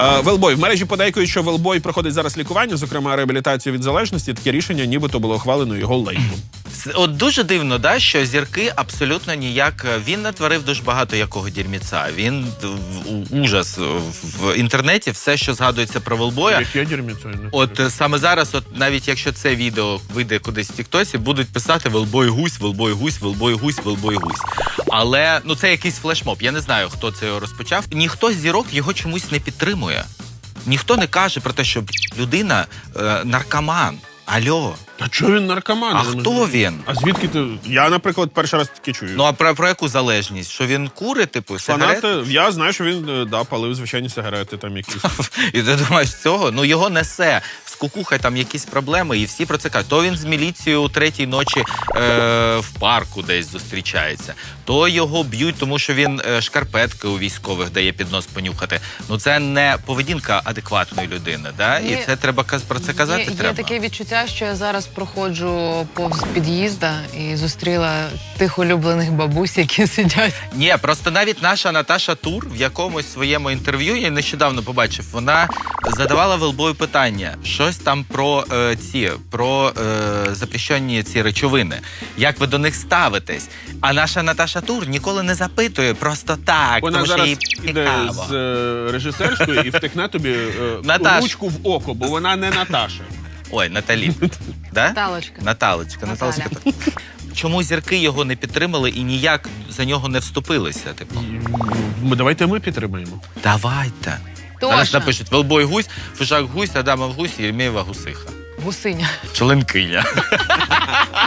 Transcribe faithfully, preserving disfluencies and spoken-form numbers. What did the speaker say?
Велбой. В мережі подейкують, що Велбой проходить зараз лікування, зокрема реабілітацію від залежності. Таке рішення нібито було ухвалено його лейблом. От дуже дивно, да, що зірки абсолютно ніяк... Він натворив дуже багато якого дірміця. Він ужас. В інтернеті все, що згадується про Велбоя. Яке дірміця? От саме зараз, от навіть якщо це відео вийде кудись в тіктосі, будуть писати Велбой гусь, Велбой гусь, Велбой гусь, Велбой гусь. Але, ну, це якийсь флешмоб. Я не знаю, хто це його розпочав. Ніхто з зірок його чомусь не підтримує. Ніхто не каже про те, що людина е, наркоман. Алло. Та чого він наркоман? А хто він? А звідки ти? Я, наприклад, перший раз таки чую. Ну, а про, про яку залежність? Що він курить, типу, сигарети? Фанати, я знаю, що він, да, палив звичайні сигарети там якісь. І ти думаєш, цього? Ну, його несе. З кукухай там якісь проблеми, і всі про це кажуть. То він з міліцією у третій ночі е, в парку десь зустрічається. То його б'ють, тому що він е, шкарпетки у військових дає під нос понюхати. Ну, це не поведінка адекватної людини, да? Є, І це треба про це казати є, треба. Є таке відчуття, що я зараз проходжу повз під'їзда і зустріла тих улюблених бабусь, які сидять. Ні, просто навіть наша Наташа Тур в якомусь своєму інтерв'ю, я нещодавно побачив, вона задавала Велбою питання, щось там про е, ці, про е, запрещені ці речовини. Як ви до них ставитесь? А наша Наташа Тур ніколи не запитує просто так, Вона тому що зараз їй іде цікаво. з е, режисерської і втекне тобі е, Наташ. ручку в око, бо вона не Наташа. Ой, Наталі. Да? Наталочка. Наталочка. Наталочка. Чому зірки його не підтримали і ніяк за нього не вступилися? Типу? Ми, давайте ми підтримаємо. Давайте. Зараз Тоша. напишуть Велбой гусь, Фишак гусь, Адамов гусь, Єремєєва гусиха. Гусиня. Членкиня.